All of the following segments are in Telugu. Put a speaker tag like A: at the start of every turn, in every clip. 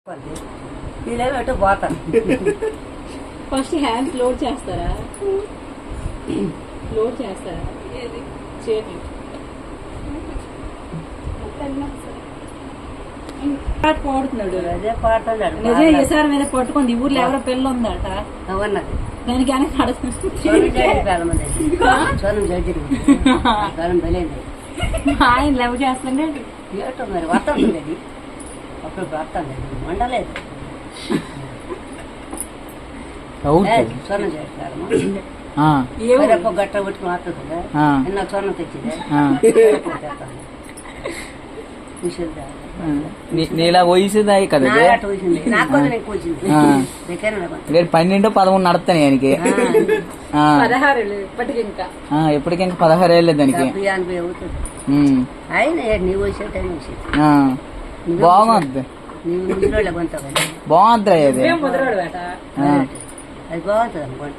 A: వీళ్ళేమో పోతాను.
B: ఫస్ట్ హ్యాండ్స్ లోడ్ చేస్తారా? లోడ్ చేస్తారా? చేతి పాట పాడుతున్నాడు.
A: అదే పాట
B: నిజం ఈసారి మీద పట్టుకుంది. ఊర్లో ఎవరో పిల్ల ఉందట,
A: అవన్నది
B: దానికి అని ఆయన లవ్ చేస్తుండే
A: ఏటో మరి వస్తుంది అది అప్పుడు వస్తుంది వండలేదు సొన్నం చేస్తారమ్మా. గట్ట పెట్టుకుని వస్తుంది నిన్న సొన్నం తెచ్చిందే
C: నీలా వయసుదా కదా 12 11 నడుస్తాను ఆయనకి. ఎప్పటికి ఇంకా 16 ఏళ్ళే దానికి. బాగుంది బాగుంది అది
A: అది బాగుంటుంది అనుకుంట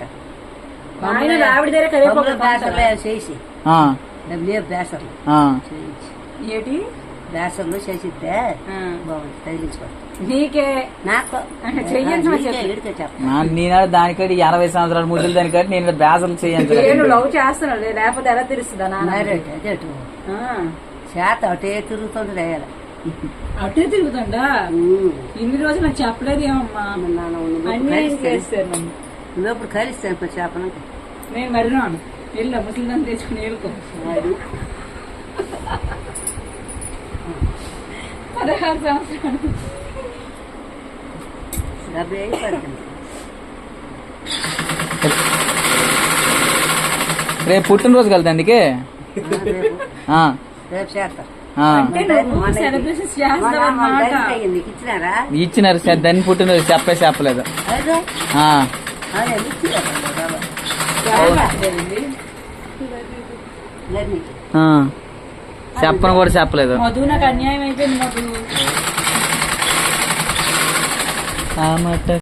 A: చేసి బేసర్లు
B: ఏంటి
A: బేసర్లు చేసిద్దే బాగుంది తగిలించుకోండి.
B: నీకే నాకు
C: నేను దానికంటే 80 సంవత్సరాల ముద్దులు దానికంటే నేను బేసర్లు చేయించాను.
B: లవ్ చేస్తున్నాడు లేకపోతే ఎలా తెలుస్తుందా?
A: అదే చేత అటే తిరుగుతుంటది వేయాలి.
B: అటే తిరుగుతుందా? ఇన్ని రోజులు నాకు చెప్పలేదు ఏమమ్మా.
A: నువ్వెప్పుడు కలిస్తాను చేపన
B: నేను మరినాను. వెళ్ళా ముసలిదాన్ని తెచ్చుకుని వెళ్ళుకో. 16 సంవత్సరాలు
C: రేపు పుట్టినరోజు కదా అందుకే ఇచ్చినారు సార్. దాన్ని పుట్టినరోజు చెప్పలేదు. చెప్పను కూడా చెప్పలేదు.
B: మధు నాకు అన్యాయం అయిపోయింది. మధు